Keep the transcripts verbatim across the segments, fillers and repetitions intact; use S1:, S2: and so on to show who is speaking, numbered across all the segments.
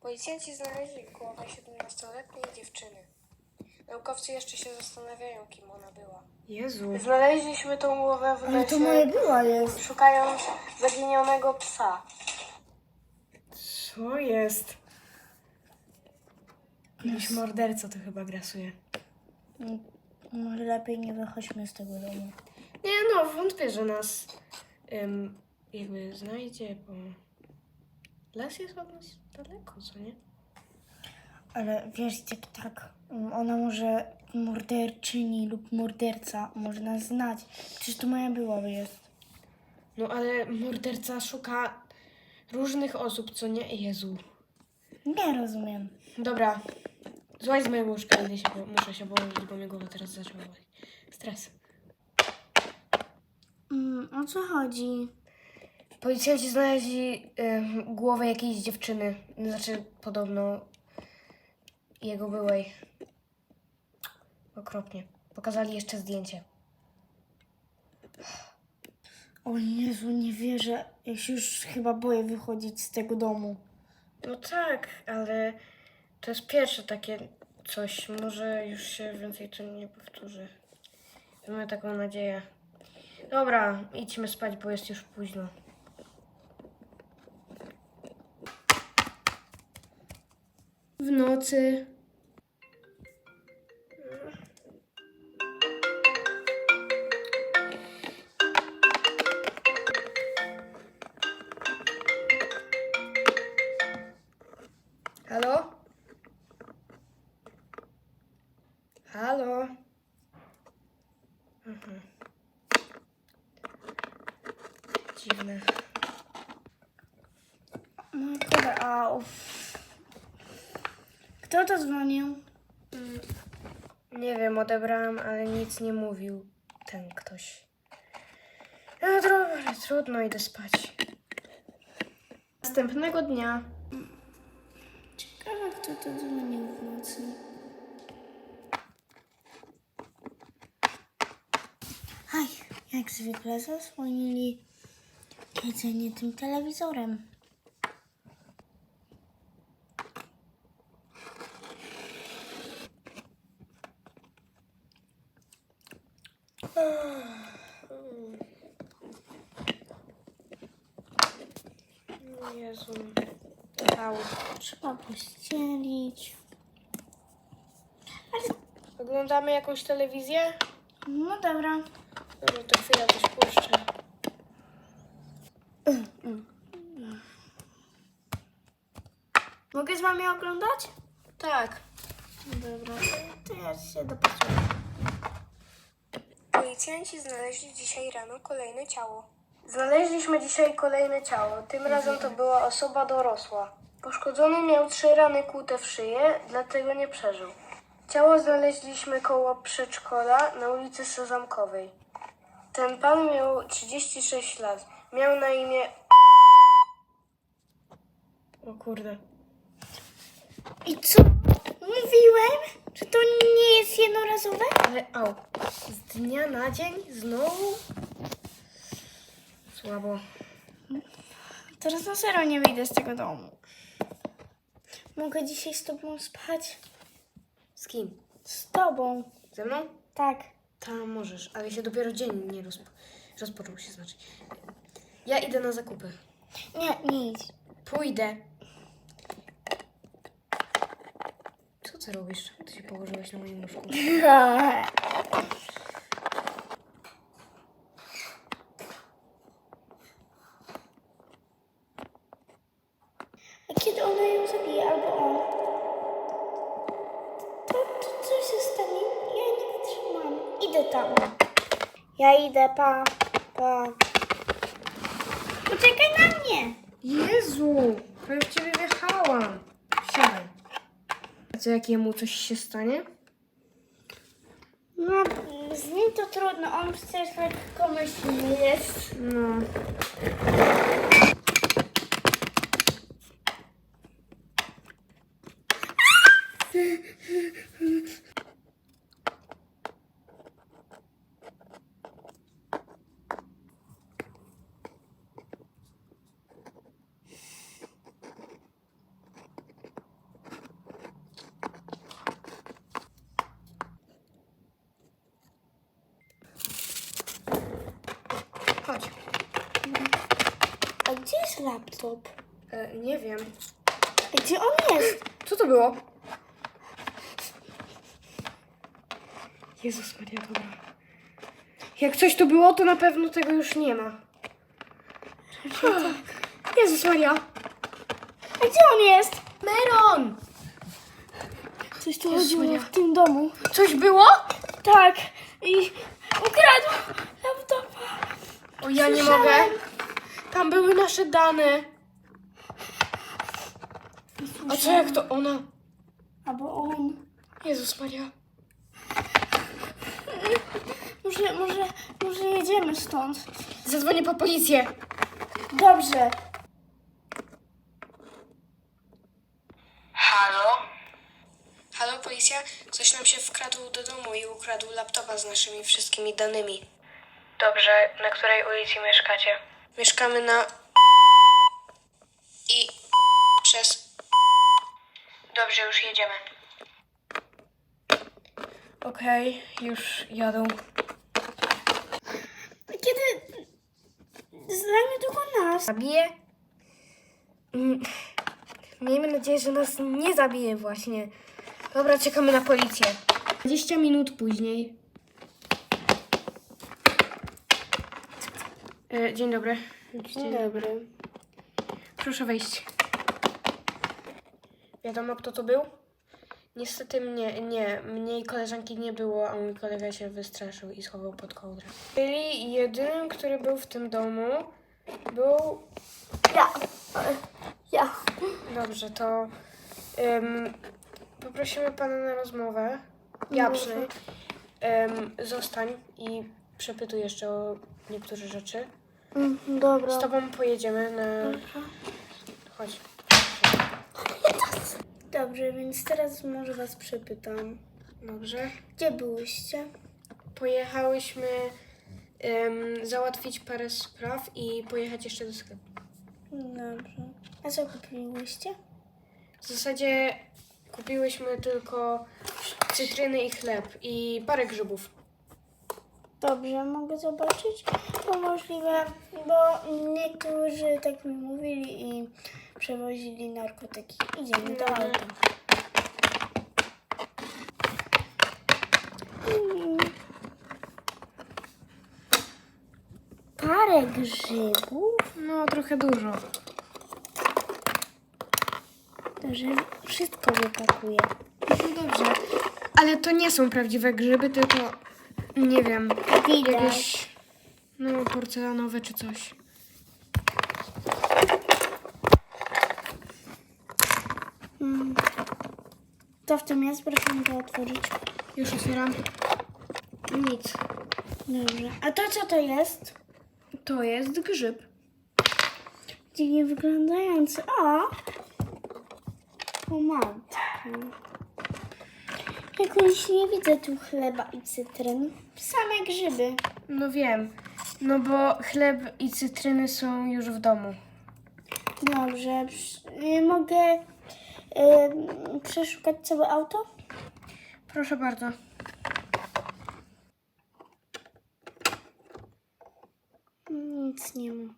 S1: Policjanci znaleźli głowę siedemnastoletniej dziewczyny. Naukowcy jeszcze się zastanawiają, kim ona była.
S2: Jezu.
S1: Znaleźliśmy tą głowę w
S3: Ale to
S1: lesie,
S3: moja była jest.
S1: szukając zaginionego psa.
S2: Co jest? Jakiś morderca to chyba grasuje.
S3: Może lepiej nie wychodźmy z tego domu.
S2: Nie no, wątpię, że nas ym, jakby znajdzie, bo las jest od nas daleko, co nie?
S3: Ale wiesz, jak tak, ona może morderczyni lub morderca może nas znać. Przecież to moja była jest.
S2: No ale morderca szuka różnych osób, co nie? Jezu.
S3: Nie rozumiem.
S2: Dobra, złaź z mojego łóżka, idę się, bo muszę się położyć, bo mnie głowa teraz zaczęła boleć. Stres.
S3: Mm, o co chodzi?
S2: Policjanci znaleźli y, głowę jakiejś dziewczyny, znaczy podobno jego byłej. Okropnie. Pokazali jeszcze zdjęcie.
S3: O Jezu, nie wierzę. Ja się już chyba boję wychodzić z tego domu.
S2: No tak, ale to jest pierwsze takie coś. Może już się więcej to nie powtórzy. Mamy taką nadzieję. Dobra, idźmy spać, bo jest już późno. W nocy. Halo? Halo? Mhm. Dziwne.
S3: No kurde, au. Kto to dzwonił?
S2: Nie wiem, odebrałam, ale nic nie mówił ten ktoś. No dobra, trudno, idę spać. Następnego dnia.
S3: Ciekawe, kto to dzwonił w nocy. Aj, jak zwykle zasłonili jedzenie tym telewizorem.
S2: Jezu. Au.
S3: Trzeba pościelić.
S2: Oglądamy jakąś telewizję?
S3: No dobra.
S2: Dobra, to chwilę coś puszczę.
S3: Mogę z wami oglądać?
S2: Tak.
S3: Dobra, to ja się dopasuję.
S1: Policjanci znaleźli dzisiaj rano kolejne ciało.
S2: Znaleźliśmy dzisiaj kolejne ciało. Tym razem to była osoba dorosła. Poszkodzony miał trzy rany kłute w szyję, dlatego nie przeżył. Ciało znaleźliśmy koło przedszkola na ulicy Sezamkowej. Ten pan miał trzydzieści sześć lat. Miał na imię... O kurde.
S3: I co? Mówiłem, że to nie jest jednorazowe?
S2: Ale au. Z dnia na dzień znowu? Słabo.
S3: Teraz na serio nie wyjdę z tego domu. Mogę dzisiaj z tobą spać?
S2: Z kim?
S3: Z tobą.
S2: Ze mną?
S3: Tak.
S2: Tam możesz, ale się dopiero dzień nie rozpo... rozpoczął się, znaczy. Ja idę na zakupy.
S3: Nie, nie idź.
S2: Pójdę. Co ty robisz? Czemu ty się położyłeś na moim łóżku?
S3: A kiedy ona ją zabije, albo on, to, to co się stanie? Ja nie wytrzymam. Idę tam. Ja idę, pa, pa. Poczekaj na mnie.
S2: Jezu! Prawie w ciebie wjechałam. Siadaj. A co, jak jemu coś się stanie?
S3: No, z nim to trudno. On przecież lekkomyślny jest.
S2: No.
S3: jest laptop?
S2: E, nie wiem.
S3: Gdzie on jest?
S2: Co to było? Jezus Maria, dobra. Jak coś tu było, to na pewno tego już nie ma. Jezus Maria.
S3: A gdzie on jest?
S2: Meron!
S3: Coś tu
S2: Jezus
S3: chodziło
S2: Maria.
S3: w tym domu.
S2: Coś było?
S3: Tak. I ukradł laptopa.
S2: O, ja nie
S3: Słyszałem.
S2: mogę. Tam były nasze dane. A co jak to ona?
S3: Albo on.
S2: Jezus Maria.
S3: Może, może, może jedziemy stąd.
S2: Zadzwonię po policję.
S3: Dobrze.
S1: Halo? Halo, policja? Ktoś nam się wkradł do domu i ukradł laptopa z naszymi wszystkimi danymi.
S2: Dobrze, na której ulicy mieszkacie?
S1: Mieszkamy na... I... przez...
S2: Dobrze, już jedziemy. Okej, już jadą.
S3: Kiedy zajmie tylko nas.
S2: Zabije? Mm, Miejmy nadzieję, że nas nie zabije właśnie. Dobra, czekamy na policję. dwadzieścia minut później. E, dzień dobry.
S3: Dzień dobry.
S2: Proszę wejść. Wiadomo, kto to był? Niestety mnie, nie, mnie i koleżanki nie było, a mój kolega się wystraszył i schował pod kołdrę. Czyli jedynym, który był w tym domu, był...
S3: Ja. Ja.
S2: Dobrze, to ym, poprosimy pana na rozmowę. Ja
S3: Dobrze.
S2: przynajmniej. Ym, zostań i przepytuj jeszcze o niektóre rzeczy.
S3: Mm, dobra.
S2: Z tobą pojedziemy na... Chodź.
S3: Dobrze, więc teraz może was przepytam.
S2: Dobrze.
S3: Gdzie byłyście?
S2: Pojechałyśmy ym, załatwić parę spraw i pojechać jeszcze do sklepu.
S3: Dobrze. A co kupiłyście?
S2: W zasadzie kupiłyśmy tylko cytryny i chleb i parę grzybów.
S3: Dobrze, mogę zobaczyć? Bo możliwe, bo niektórzy tak mi mówili i przewozili narkotyki. Idziemy do
S2: Dobra.
S3: auta. Mm. Parę grzybów?
S2: No, trochę dużo.
S3: Dobrze, wszystko wypakuję.
S2: No dobrze. Ale to nie są prawdziwe grzyby, tylko nie wiem,
S3: Widać.
S2: jakieś no, porcelanowe czy coś.
S3: Mm. Co w tym jest? Proszę mi to otworzyć.
S2: Już otwieram. Nic.
S3: Dobrze. A to co to jest?
S2: To jest grzyb.
S3: Dziwnie wyglądający. O! Pomadka. Jakoś nie widzę tu chleba i cytryn. Same grzyby.
S2: No wiem. No bo chleb i cytryny są już w domu.
S3: Dobrze. Psz- y, Mogę y, przeszukać całe auto?
S2: Proszę bardzo.
S3: Nic nie ma.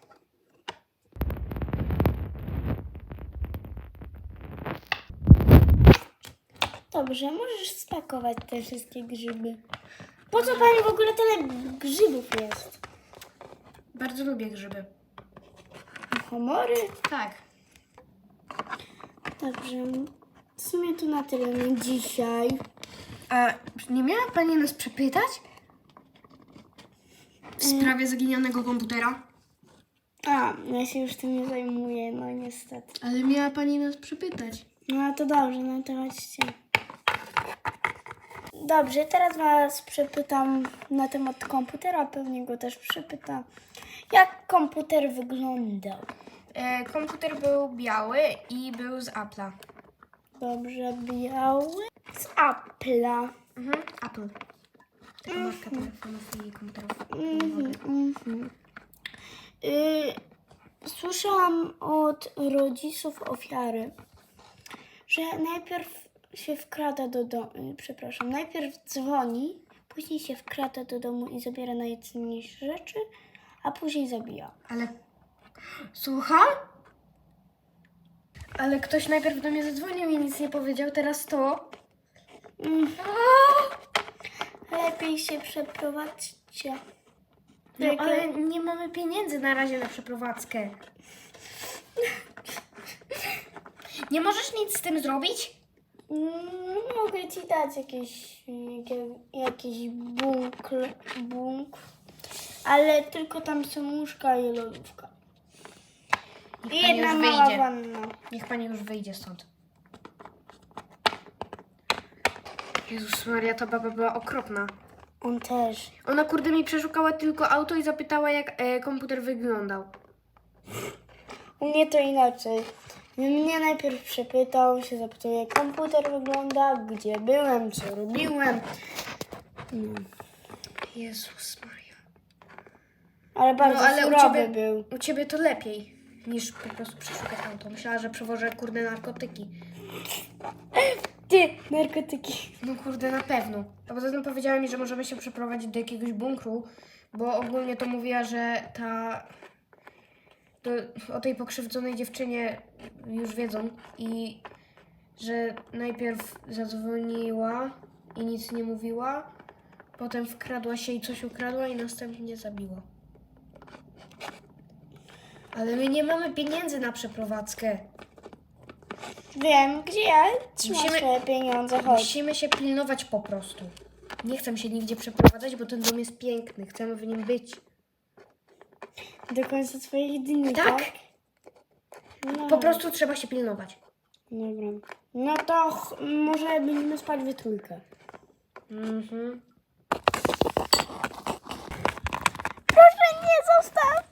S3: Dobrze, możesz spakować te wszystkie grzyby. Po co pani w ogóle tyle grzybów jest?
S2: Bardzo lubię grzyby.
S3: Homory?
S2: Tak.
S3: Dobrze. W sumie to na tyle na dzisiaj.
S2: A nie miała pani nas przepytać? W sprawie zaginionego komputera?
S3: A, ja się już tym nie zajmuję, no niestety.
S2: Ale miała pani nas przepytać.
S3: No to dobrze, no to chodźcie. Dobrze, teraz was przepytam na temat komputera, pewnie go też przepytam. Jak komputer wyglądał?
S2: E, komputer był biały i był z Apple'a.
S3: Dobrze, biały z Apple'a.
S2: Mhm. Apple. Taka marka telefonów i komputerów.
S3: Mhm, mhm. Y, Słyszałam od rodziców ofiary, że najpierw się wkrada do domu, przepraszam, najpierw dzwoni, później się wkrada do domu i zabiera najcenniejsze rzeczy, a później zabija.
S2: Ale Słucham? Ale ktoś najpierw do mnie zadzwonił i nic nie powiedział, teraz to.
S3: Mm. Lepiej się przeprowadźcie.
S2: No,
S3: Jak-
S2: ale nie mamy pieniędzy na razie na przeprowadzkę. Nie możesz nic z tym zrobić?
S3: Mm, Mogę ci dać jakieś, jakie- jakiś bunkl, bunkr, ale tylko tam są łóżka i lodówka.
S2: Niech
S3: I
S2: pani
S3: jedna
S2: już
S3: mała
S2: wyjdzie.
S3: wanna.
S2: Niech pani już wyjdzie stąd. Jezus Maria, ta baba była okropna.
S3: On też.
S2: Ona kurde mi przeszukała tylko auto i zapytała, jak e, komputer wyglądał.
S3: U mnie to inaczej. Mnie najpierw przepytał, się zapytał, jak komputer wygląda, gdzie byłem, co robiłem. No.
S2: Jezus Maria.
S3: Ale bardzo
S2: No, ale u
S3: surowy
S2: ciebie,
S3: był.
S2: u ciebie to lepiej niż po prostu przeszukać auto. Myślała, że przewożę kurde narkotyki.
S3: Ty, narkotyki.
S2: No kurde, na pewno. A poza tym powiedziała mi, że możemy się przeprowadzić do jakiegoś bunkru, bo ogólnie to mówiła, że ta... To, o tej pokrzywdzonej dziewczynie już wiedzą i że najpierw zadzwoniła i nic nie mówiła, potem wkradła się i coś ukradła i następnie zabiła. Ale my nie mamy pieniędzy na przeprowadzkę.
S3: Wiem, gdzie ja trzymam
S2: Musimy-
S3: swoje pieniądze, chodź.
S2: Musimy się pilnować po prostu. Nie chcę się nigdzie przeprowadzać, bo ten dom jest piękny. Chcemy w nim być.
S3: Do końca swoich dni,
S2: Tak.
S3: tak? No.
S2: Po prostu trzeba się pilnować.
S3: Dobra. No to ch- może będziemy spać we trójkę.
S2: Mhm.
S3: Proszę, nie zostaw!